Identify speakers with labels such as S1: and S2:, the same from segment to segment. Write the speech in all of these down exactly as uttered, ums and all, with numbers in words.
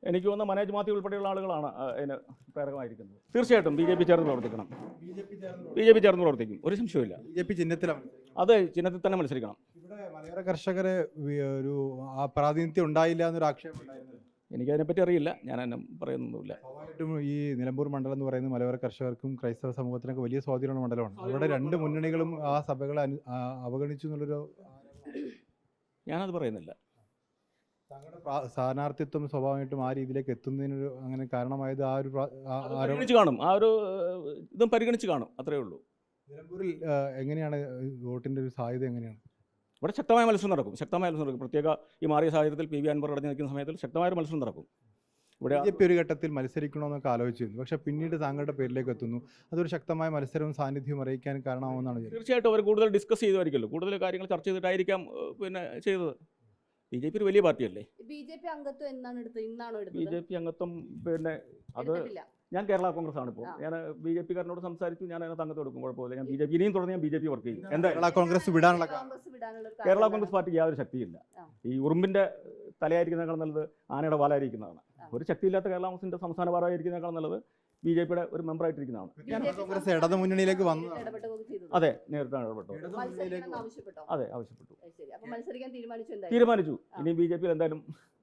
S1: എനിക്ക് തോന്നുന്ന മനോജ് മാത്യു ഉൾപ്പെടെയുള്ള ആളുകളാണ് അതിന് പ്രേരകമായിരിക്കുന്നത്. തീർച്ചയായിട്ടും ബി ജെ പി ചേർന്ന് പ്രവർത്തിക്കണം. ബി ജെ പി ചേർന്ന് പ്രവർത്തിക്കും, ഒരു സംശയമില്ല.
S2: ബി ജെ പി ചിഹ്നത്തിലാണ്.
S1: അതെ, ചിഹ്നത്തിൽ തന്നെ മത്സരിക്കണം.
S2: ഇവിടെ മലയോര കർഷകരെ ഒരു ആ പ്രാതിനിധ്യം ഉണ്ടായില്ല എന്നൊരു ആക്ഷേപം ഉണ്ടായിരുന്നു.
S1: എനിക്കതിനെപ്പറ്റി അറിയില്ല, ഞാൻ എന്നെ പറയുന്നൊന്നുമില്ല.
S2: സ്വാഭാവികമായിട്ടും ഈ നിലമ്പൂർ മണ്ഡലം എന്ന് പറയുന്നത് മലയോര കർഷകർക്കും ക്രൈസ്തവ സമൂഹത്തിനൊക്കെ വലിയ സ്വാധീനമുള്ള മണ്ഡലമാണ്. അവിടെ രണ്ട് മുന്നണികളും ആ സഭകളെ അവഗണിച്ചു എന്നുള്ളൊരു
S1: ഞാനത് പറയുന്നില്ല.
S2: താങ്കളുടെ സ്ഥാനാർത്ഥിത്വം സ്വാഭാവികമായിട്ടും ആ രീതിയിലേക്ക് എത്തുന്നതിനൊരു അങ്ങനെ കാരണമായത് ആ ഒരു
S1: പരിഗണിച്ച് കാണും, ആ ഒരു ഇതും പരിഗണിച്ച് കാണും, അത്രയേ ഉള്ളൂ.
S2: നിലമ്പൂരിൽ എങ്ങനെയാണ് വോട്ടിൻ്റെ ഒരു സാധ്യത എങ്ങനെയാണ്?
S1: ഇവിടെ ശക്തമായ മത്സരം നടക്കും, ശക്തമായ മത്സരം നടക്കും. പ്രത്യേക ഈ മാറിയ സാഹചര്യത്തിൽ പി വി അൻവർ അടഞ്ഞു നിൽക്കുന്ന സമയത്തിൽ ശക്തമായ മത്സരം നടക്കും.
S2: ഇവിടെ ബി ജെ പി ഒരു ഘട്ടത്തിൽ മത്സരിക്കണമെന്നൊക്കെ ആലോചിച്ചിരുന്നു, പക്ഷേ പിന്നീട് താങ്കളുടെ പേരിലേക്ക് എത്തുന്നു. അതൊരു ശക്തമായ മത്സരവും സാന്നിധ്യവും അറിയിക്കാൻ കാരണമാവുമെന്നാണ്.
S1: തീർച്ചയായിട്ടും അവർ കൂടുതൽ ഡിസ്കസ് ചെയ്തുമായിരിക്കുമല്ലോ, കൂടുതൽ കാര്യങ്ങൾ ചർച്ച ചെയ്തിട്ടായിരിക്കാം പിന്നെ ചെയ്തത്. ബി ജെ പി ഒരു വലിയ പാർട്ടിയല്ലേ.
S3: ബി ജെ പി അംഗത്വം എന്നാണ് എടുത്തത്? ഇന്നാണോ എടുത്തത്?
S1: ബി ജെ പി അംഗത്വം പിന്നെ അത് ഞാൻ കേരള കോൺഗ്രസ് ആണ് ഇപ്പോൾ. ഞാൻ ബി ജെ പിക്കാരനോട് സംസാരിച്ചു, ഞാൻ അതിനകത്ത് അംഗത്വം എടുക്കും, കുഴപ്പമില്ല. ഞാൻ ബി ജെ പി ഇനിയും തുടർന്ന് ഞാൻ ബി ജെ പി വർക്ക് ചെയ്യും. എന്താ
S2: കേരള കോൺഗ്രസ് വിടാനുള്ള
S1: കേരള കോൺഗ്രസ് പാർട്ടിക്ക് യാതൊരു ശക്തിയില്ല. ഈ ഉറുമ്പിന്റെ തലയായിരിക്കുന്നതിനേക്കാൾ നല്ലത് ആനയുടെ വാലായിരിക്കുന്നതാണ്. ഒരു ശക്തിയില്ലാത്ത കേരള കോൺഗ്രസിന്റെ സംസ്ഥാന ഭാരമായിരിക്കുന്നതിനേക്കാൾ നല്ലത് ബി ജെ പിയുടെ ഒരു മെമ്പറായിട്ടിരിക്കുന്നതാണ്.
S2: കോൺഗ്രസ് ഇടതു മുന്നണിയിലേക്ക് വന്നു.
S1: അതെ, നേരിട്ടാണ് ഇടപെട്ടു. അതെ, ആവശ്യപ്പെട്ടു, തീരുമാനിച്ചു. ഇനി ബി ജെ പി എന്തായാലും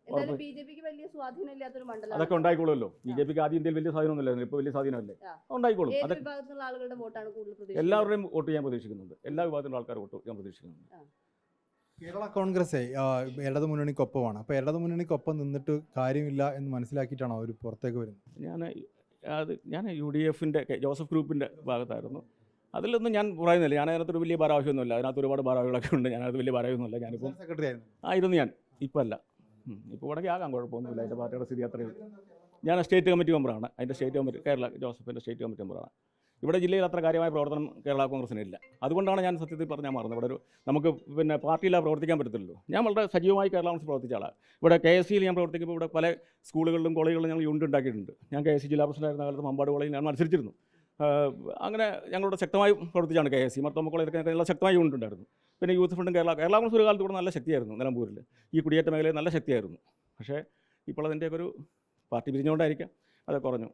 S1: അതൊക്കെ ഉണ്ടായിക്കോളുമല്ലോ. ബി ജെ പിക്ക് ആദ്യം ഇന്ത്യയിൽ വലിയ സ്വാധീനമൊന്നുമില്ലായിരുന്നു, ഇപ്പോൾ വലിയ സ്വാധീനമല്ലേ, ഉണ്ടായിക്കോളും. എല്ലാവരുടെയും വോട്ട് ചെയ്യാൻ പ്രതീക്ഷിക്കുന്നുണ്ട്, എല്ലാ വിഭാഗത്തിലുള്ള ആൾക്കാർ വോട്ട് ചെയ്യാൻ പ്രതീക്ഷിക്കുന്നുണ്ട്.
S2: കേരള കോൺഗ്രസ് ഇടതു മുന്നണിക്കൊപ്പമാണ്. അപ്പോൾ ഇടതു മുന്നണിക്കൊപ്പം നിന്നിട്ട് കാര്യമില്ല എന്ന് മനസ്സിലാക്കിയിട്ടാണോ അവർ പുറത്തേക്ക് വരുന്നത്?
S1: ഞാൻ അത് ഞാൻ യു ഡി എഫിൻ്റെ ജോസഫ് ഗ്രൂപ്പിൻ്റെ ഭാഗത്തായിരുന്നു. അതിലൊന്നും ഞാൻ പറയുന്നില്ല, ഞാൻ അതിനകത്തൊരു വലിയ ഭാരവാഹിയൊന്നുമില്ല. അതിനകത്ത് ഒരുപാട് ഭാരവാഹികളൊക്കെ ഉണ്ട്, ഞാനത് വലിയ ഭാരവാഹിയൊന്നുമില്ല. ഞാനിപ്പോൾ
S2: സെക്രട്ടറി ആയിരുന്നു
S1: ആയിരുന്നു ഞാൻ, ഇപ്പോൾ അല്ല. ഇപ്പോൾ ഇവിടേക്ക് ആകാം, കുഴപ്പമൊന്നുമില്ല. അതിൻ്റെ പാർട്ടിയുടെ സ്ഥിതി അത്രയും. ഞാൻ സ്റ്റേറ്റ് കമ്മിറ്റി മെമ്പറാണ്, അതിൻ്റെ സ്റ്റേറ്റ് കമ്മിറ്റി കേരള ജോസഫിൻ്റെ സ്റ്റേറ്റ് കമ്മിറ്റി മെമ്പറാണ്. ഇവിടെ ജില്ലയിൽ അത്ര കാര്യമായ പ്രവർത്തനം കേരള കോൺഗ്രസിനില്ല. അതുകൊണ്ടാണ് ഞാൻ സത്യത്തിൽ പറഞ്ഞാൽ മാറുന്നത്. ഇവിടെ ഒരു നമുക്ക് പിന്നെ പാർട്ടിയിലാണ് പ്രവർത്തിക്കാൻ പറ്റത്തില്ലല്ലോ. ഞാൻ വളരെ സജീവമായി കേരള കോൺഗ്രസ് പ്രവർത്തിച്ച ആളാണ്. ഇവിടെ കെ എസ് സിയിൽ ഞാൻ പ്രവർത്തിക്കുമ്പോൾ ഇവിടെ പല സ്കൂളുകളിലും കോളേജുകളിലും ഞങ്ങൾ യൂണിറ്റ് ഉണ്ടാക്കിയിട്ടുണ്ട്. ഞാൻ കെ എസ് സി ജില്ലാ പ്രസിഡന്റായിരുന്ന കാലത്ത് മമ്പാട് കോളേജിൽ ഞാൻ മത്സരിച്ചിരുന്നു. അങ്ങനെ ഞങ്ങളുടെ ശക്തമായി പ്രവർത്തിച്ചാണ് കെ എസ് സി മർത്തോമ കോളേജിലൊക്കെ നല്ല ശക്തമായ യൂണിറ്റ് ഉണ്ടായിരുന്നു. പിന്നെ യൂത്ത് ഫണ്ടും കേരള കേരള കോൺഗ്രസ് ഒരു കാലത്ത് ഇവിടെ നല്ല ശക്തിയായിരുന്നു. നിലമ്പൂരിൽ ഈ കുടിയേറ്റ മേഖലയിൽ നല്ല ശക്തിയായിരുന്നു. പക്ഷേ ഇപ്പോൾ അതിൻ്റെയൊക്കെ ഒരു പാർട്ടി പിരിഞ്ഞുകൊണ്ടായിരിക്കാം അത് കുറഞ്ഞു.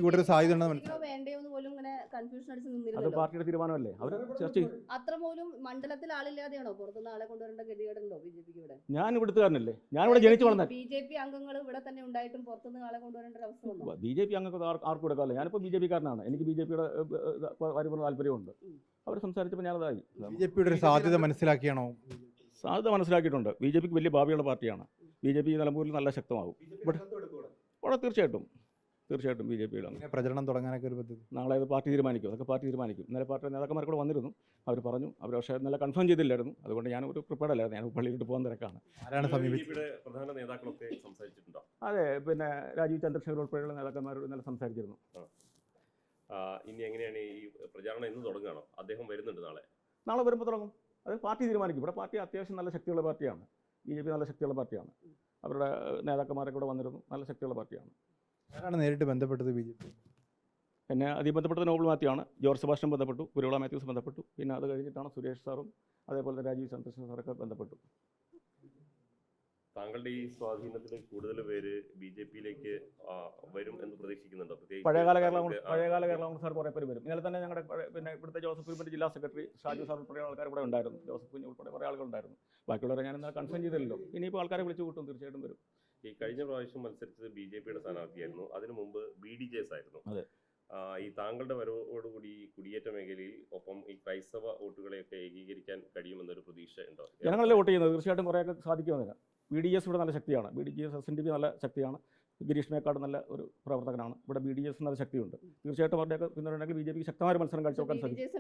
S1: അത് പാർട്ടിയുടെ തീരുമാനമല്ലേ, അവർ ചർച്ച ചെയ്യും.
S3: മണ്ഡലത്തിൽ ആളില്ലാതെയാണോ പുറത്തുനിന്ന് ആളെ കൊണ്ടുവരേണ്ട ഗതികേടുണ്ടോ ബി ജെ പിക്ക്? ഇവിടെ
S1: ഞാൻ ഇവിടുത്തുകാരനല്ലേ, ഞാൻ ഇവിടെ ജനിച്ചു വളർന്ന
S3: ബി ജെ പി അംഗങ്ങൾ ഇവിടെ തന്നെ ഉണ്ടായിട്ടും പുറത്തുനിന്ന് ആളെ കൊണ്ടുവരേണ്ട ഒരു അവസ്ഥ വന്നു.
S1: ബി ജെ പി അംഗങ്ങൾക്ക് ആർക്കും എടുക്കാമല്ലോ. ഞാനിപ്പോൾ ബി ജെ പിക്കാരനാണ്, എനിക്ക് ബി ജെ പിയുടെ പരിപൂർണ്ണ താല്പര്യമുണ്ട്. അവർ സംസാരിച്ചപ്പോൾ ഞാനതായി.
S2: ബി ജെ പിയുടെ ഒരു സാധ്യത മനസ്സിലാക്കിയാണോ?
S1: സാധ്യത മനസ്സിലാക്കിയിട്ടുണ്ട്. ബി ജെ പിക്ക് വലിയ ഭാവിയുള്ള പാർട്ടിയാണ്. ബി ജെ പി നിലമ്പൂരിൽ നല്ല ശക്തമാകും. ഇവിടെ ഇവിടെ തീർച്ചയായിട്ടും തീർച്ചയായിട്ടും ബി ജെ പിയുടെ
S2: പ്രചരണം തുടങ്ങാനൊക്കെ ഒരു പദ്ധതി
S1: നാളെ അത് പാർട്ടി തീരുമാനിക്കും. അതൊക്കെ പാർട്ടി തീരുമാനിക്കും. ഇന്നലെ പാർട്ടി നേതാക്കന്മാർ കൂടെ വന്നിരുന്നു, അവർ പറഞ്ഞു. അവർ പക്ഷേ ഇന്നലെ കൺഫേം ചെയ്തില്ലായിരുന്നു, അതുകൊണ്ട് ഞാൻ ഒരു പ്രിപ്പയർഡ് അല്ലായിരുന്നു. ഞാൻ പള്ളിയിലോട്ട് പോകാൻ തിരക്കാണ്.
S2: ആരാണ് സമീപിച്ചത്?
S4: പ്രധാന നേതാക്കളൊക്കെ സംസാരിച്ചിട്ടുണ്ടോ?
S1: അതെ, പിന്നെ രാജീവ് ചന്ദ്രശേഖർ ഉൾപ്പെടെയുള്ള നേതാക്കന്മാരോട് ഇന്നലെ സംസാരിച്ചിരുന്നു.
S4: ഇനി എങ്ങനെയാണ് ഈ പ്രചാരണം എന്ന് തുടങ്ങുകയാണോ? അദ്ദേഹം വരുന്നുണ്ട് നാളെ
S1: നാളെ വരുമ്പോൾ തുടങ്ങും. അത് പാർട്ടി തീരുമാനിക്കും. ഇവിടെ പാർട്ടി അത്യാവശ്യം നല്ല ശക്തിയുള്ള പാർട്ടിയാണ്. ബി ജെ പി നല്ല ശക്തിയുള്ള പാർട്ടിയാണ്. അവരുടെ നേതാക്കന്മാരൊക്കെ കൂടെ വന്നിരുന്നു, നല്ല ശക്തിയുള്ള പാർട്ടിയാണ്.
S2: ആരാണ് നേരിട്ട് ബന്ധപ്പെട്ടത് ബി ജെ പി?
S1: പിന്നെ അതിൽ ബന്ധപ്പെട്ടത് നോബിൾ മാത്യു ആണ്. ജോർജ് സെബാസ്റ്റ്യൻ ബന്ധപ്പെട്ടു, കുരുവിള മാത്യൂസ് ബന്ധപ്പെട്ടു. പിന്നെ അത് കഴിഞ്ഞിട്ടാണ് സുരേഷ് സാറും അതേപോലെ തന്നെ രാജീവ് ചന്ദ്രശേഖർ സാറൊക്കെ ബന്ധപ്പെട്ടു.
S4: താങ്കളുടെ ഈ സ്വാധീനത്തിൽ കൂടുതൽ പേര് ബി ജെ പിയിലേക്ക് വരും എന്ന് പ്രതീക്ഷിക്കുന്നുണ്ടോ?
S1: പഴയകാല കേരള പഴയകാല കേരള കോൺഗ്രസ് സാർ കുറേ പേര് വരും. ഇന്നലെ തന്നെ ഞങ്ങളുടെ പിന്നെ ഇവിടുത്തെ ജോസഫ് ഗ്രൂപ്പിൻ്റെ ജില്ലാ സെക്രട്ടറി ഷാജു സാർ ഉൾപ്പെടെ ആൾക്കാർ ഇവിടെ ഉണ്ടായിരുന്നു. ജോസഫ് കുഞ്ഞ് ഉൾപ്പെടെ കുറേ ആളുകളുണ്ടായിരുന്നു. ബാക്കിയുള്ളവരെ ഞാൻ എന്നാൽ കൺഫേം ചെയ്തില്ലല്ലോ. ഇനിയിപ്പോൾ ആൾക്കാരെ വിളിച്ചു കൂട്ടും, തീർച്ചയായിട്ടും വരും.
S4: ഈ കഴിഞ്ഞ പ്രാവശ്യം മത്സരിച്ചത് ബി ജെ പിയുടെ സ്ഥാനാർത്ഥിയായിരുന്നു, അതിനു മുമ്പ് ബി ഡി ജെ എസ് ആയിരുന്നു.
S1: അതെ.
S4: ഈ താങ്കളുടെ വരവോടുകൂടി കുടിയേറ്റ മേഖലയിൽ ഒപ്പം ഈ ക്രൈസ്തവ വോട്ടുകളെയൊക്കെ ഏകീകരിക്കാൻ കഴിയുമെന്നൊരു പ്രതീക്ഷ ഉണ്ടോ?
S1: ജനങ്ങളല്ലേ വോട്ട് ചെയ്യുന്നത്, തീർച്ചയായിട്ടും കുറേയൊക്കെ സാധിക്കുമെന്നില്ല. ബി ഡി എസ് ഇവിടെ നല്ല ശക്തിയാണ്. B D J S S N D P നല്ല ശക്തിയാണ്. ഗിരീഷ് മേക്കാട് നല്ല ഒരു പ്രവർത്തകനാണ്. ഇവിടെ ബി ഡി എസ് നല്ല ശക്തിയുണ്ട്. തീർച്ചയായിട്ടും അവരുടെയൊക്കെ പിന്തുണയുണ്ടെങ്കിൽ ബി ജെ പിക്ക് ശക്തമായ മത്സരം കാഴ്ചവെക്കാൻ സാധിക്കും.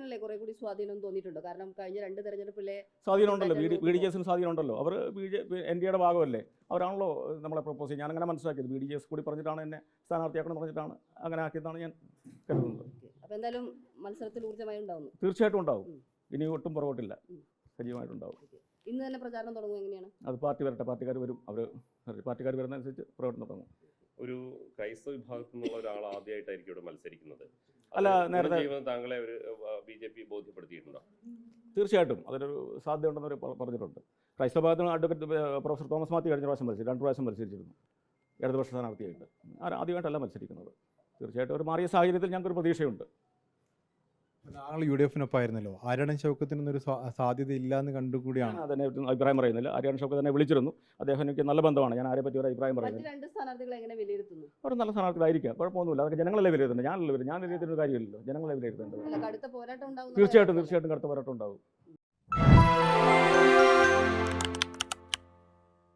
S1: സ്വാധീനം ഉണ്ടല്ലോ, ബി ഡി ജി എസിന് സ്വാധീനം ഉണ്ടല്ലോ. അവർ B J P N D എയുടെ ഭാഗമല്ലേ, അവരാണല്ലോ നമ്മളെ പ്രപ്പോസ് ചെയ്യുന്നത്. ഞാനങ്ങനെ മനസ്സിലാക്കിയത് ബി ഡി ജി എസ് കൂടി പറഞ്ഞിട്ടാണ് എന്നെ സ്ഥാനാർത്ഥിയാക്കണം പറഞ്ഞിട്ടാണ് അങ്ങനെ ആക്കിയതാണ് ഞാൻ കരുതുന്നത്. തീർച്ചയായിട്ടും ഉണ്ടാവും. ഇനി ഒട്ടും പുറകോട്ടില്ല, സജീവമായിട്ടുണ്ടാവും.
S3: ഇന്ന് തന്നെ പ്രചാരണം തുടങ്ങും. എങ്ങനെയാണ്
S1: അത്? പാർട്ടി വരട്ടെ, പാർട്ടിക്കാർ വരും. അവർ പാർട്ടിക്കാർ വരുന്നതനുസരിച്ച് പ്രവർത്തനം തുടങ്ങും.
S4: ഒരു ക്രൈസ്തവ വിഭാഗത്തിൽ നിന്നുള്ള ഒരാൾ ആദ്യമായിട്ടായിരിക്കും ഇവിടെ മത്സരിക്കുന്നത്.
S1: അല്ല, നേരത്തെ
S4: താങ്കളെ ഒരു ബി ജെ പി ബോധ്യപ്പെടുത്തിയിട്ടുണ്ടോ?
S1: തീർച്ചയായിട്ടും അതിനൊരു സാധ്യതയുണ്ടെന്ന് പറഞ്ഞിട്ടുണ്ട്. ക്രൈസ്തവ വിഭാഗത്തിന് അഡ്വക്കേറ്റ് പ്രൊഫസർ തോമസ് മാത്യു കഴിഞ്ഞ പ്രാവശ്യം മത്സരിച്ചു, രണ്ട് പ്രാവശ്യം മത്സരിച്ചിരുന്നു. ഇടതുപക്ഷ സ്ഥാനാർത്ഥിയായിട്ട്. ആ- ആദ്യമായിട്ടല്ല മത്സരിക്കുന്നത്. തീർച്ചയായിട്ടും ഒരു മാറിയ സാഹചര്യത്തിൽ ഞങ്ങൾക്കൊരു പ്രതീക്ഷയുണ്ട്.
S2: താങ്കൾ യു ഡി എഫിനൊപ്പമായിരുന്നല്ലോ. ആര്യടൻ ഷൗക്കത്തിനൊന്നൊരു സാ- സാധ്യത ഇല്ല എന്ന് കണ്ടുകൂടിയാണ്.
S1: ഞാൻ അതിനെ പറ്റി അഭിപ്രായം പറയുന്നില്ല. ആര്യാടൻ ഷൗക്കത്ത് തന്നെ വിളിച്ചിരുന്നു. അദ്ദേഹം എനിക്ക് നല്ല ബന്ധമാണ്. ഞാൻ ആരെ പറ്റി ഒരു അഭിപ്രായം
S3: മറ്റു
S1: പറയുന്നില്ല.
S3: രണ്ട് സ്ഥാനാർത്ഥികളെ എങ്ങനെ വിലയിരുത്തുന്നു?
S1: അവർ നല്ല സ്ഥാനാർത്ഥികളായിരിക്കാം, കുഴപ്പമൊന്നുമില്ല. അതൊക്കെ ജനങ്ങളെ വിലയിരുത്തുന്നത്. ഞാനല്ല വിലയിരുത്തുന്നത്. ഞാൻ വിലയിരുത്തുന്ന ഒരു കാര്യമില്ലല്ലോ, ജനങ്ങളെ വിലയിരുത്തേണ്ടത്.
S3: അല്ല, കടുത്ത പോരാട്ടം ഉണ്ടാവും
S1: തീർച്ചയായിട്ടും തീർച്ചയായിട്ടും കടുത്ത പോരാട്ടം ഉണ്ടാവും.